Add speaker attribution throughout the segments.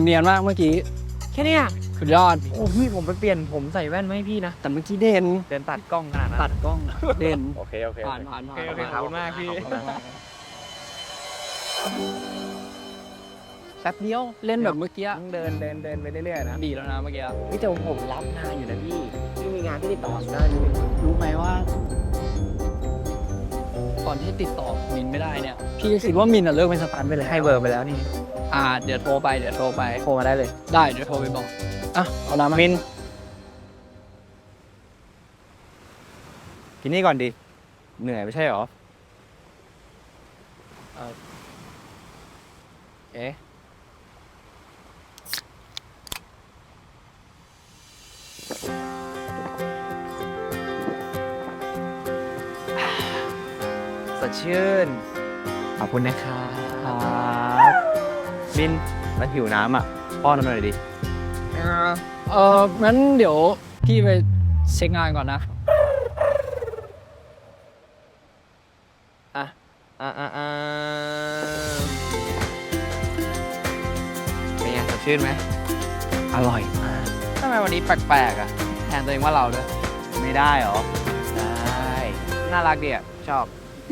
Speaker 1: เนียนมากเมื่อกี้
Speaker 2: แค่เนี้ย
Speaker 1: สุดยอด
Speaker 2: โอ้พี่ผมไปเปลี่ยนผมใส่แว่นมาให้พี่นะ
Speaker 1: แต่เมื่อกี้เด่น
Speaker 2: เดินตัดกล้องขนาดนั้น
Speaker 1: ตัดกล้องเด่น
Speaker 3: โอเค
Speaker 1: ผ่าน
Speaker 2: โอเคขอบคุณมากพี่แป๊บเดียว
Speaker 1: เล่นแบบเมื่อกี้
Speaker 2: ต้องเดินไปเรื่อยๆนะ
Speaker 1: ดีแล้วนะเมื่อกี้
Speaker 2: พี่แต่ผมรับงานอยู่นะพี่มีงานที่ติดต่อได้เลย
Speaker 1: รู้ไหมว่าตอนที่ติดต่อมินไม่ได้เนี่ยพี่คิดว่ามินเลิกเป็นสตันไปเลย
Speaker 2: ให้เบอร์ไปแล้วนี่
Speaker 1: เดี๋ยวโทรไป
Speaker 2: โทรมาได้เลย
Speaker 1: ได้เดี๋ยวโทรไปบอกเอาน้ำมา
Speaker 3: มินกินนี่ก่อนดิเหนื่อยไม่ใช่หรอ
Speaker 1: เอ๊ะ
Speaker 2: สดชื่นขอบคุณนะครับ
Speaker 3: มินแล้วหิวน้ำอ่ะป้อนน้ำหน่อยดิ
Speaker 1: งั้นเดี๋ยวพี่ไปเช็คงานก่อนนะ
Speaker 2: เป็นไงสดชื่นไหม
Speaker 1: อร่อยมากทำไมวันนี้แปลกๆอ่ะแทนตัวเองว่าเราด้วย
Speaker 3: ไม่ได้หรอ
Speaker 2: ได้น่ารักดีอ่ะชอบ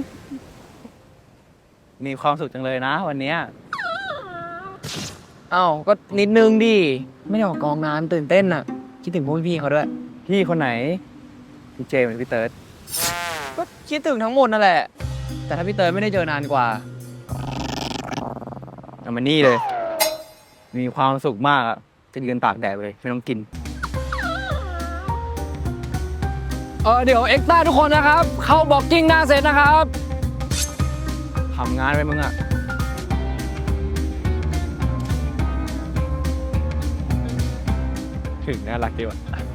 Speaker 3: มีความสุขจังเลยนะวันเนี้ย
Speaker 2: เอ้าก็นิดนึงดิไม่ได้ออกกองนานตื่นเต้นอ่ะคิดถึงพวกพี่เขาด้วย
Speaker 3: พี่คนไหนพี่เจมส์หรือพี่เติร์ด
Speaker 2: ก็คิดถึงทั้งหมดนั่นแหละแต่ถ้าพี่เตยไม่ได้เจอนานกว่า
Speaker 3: เอามานี่เลย มีความสุขมากอ่ะจะยืนตากแดดเลยไม่ต้องกิน
Speaker 1: เดี๋ยวเอ็กซ์ต้าทุกคนนะครับ เข้าบล็อกกิ้งหน้าเซตนะครับ
Speaker 3: ทำงานไปมึงอ่ะ ถึงน่ารักดีว่ะ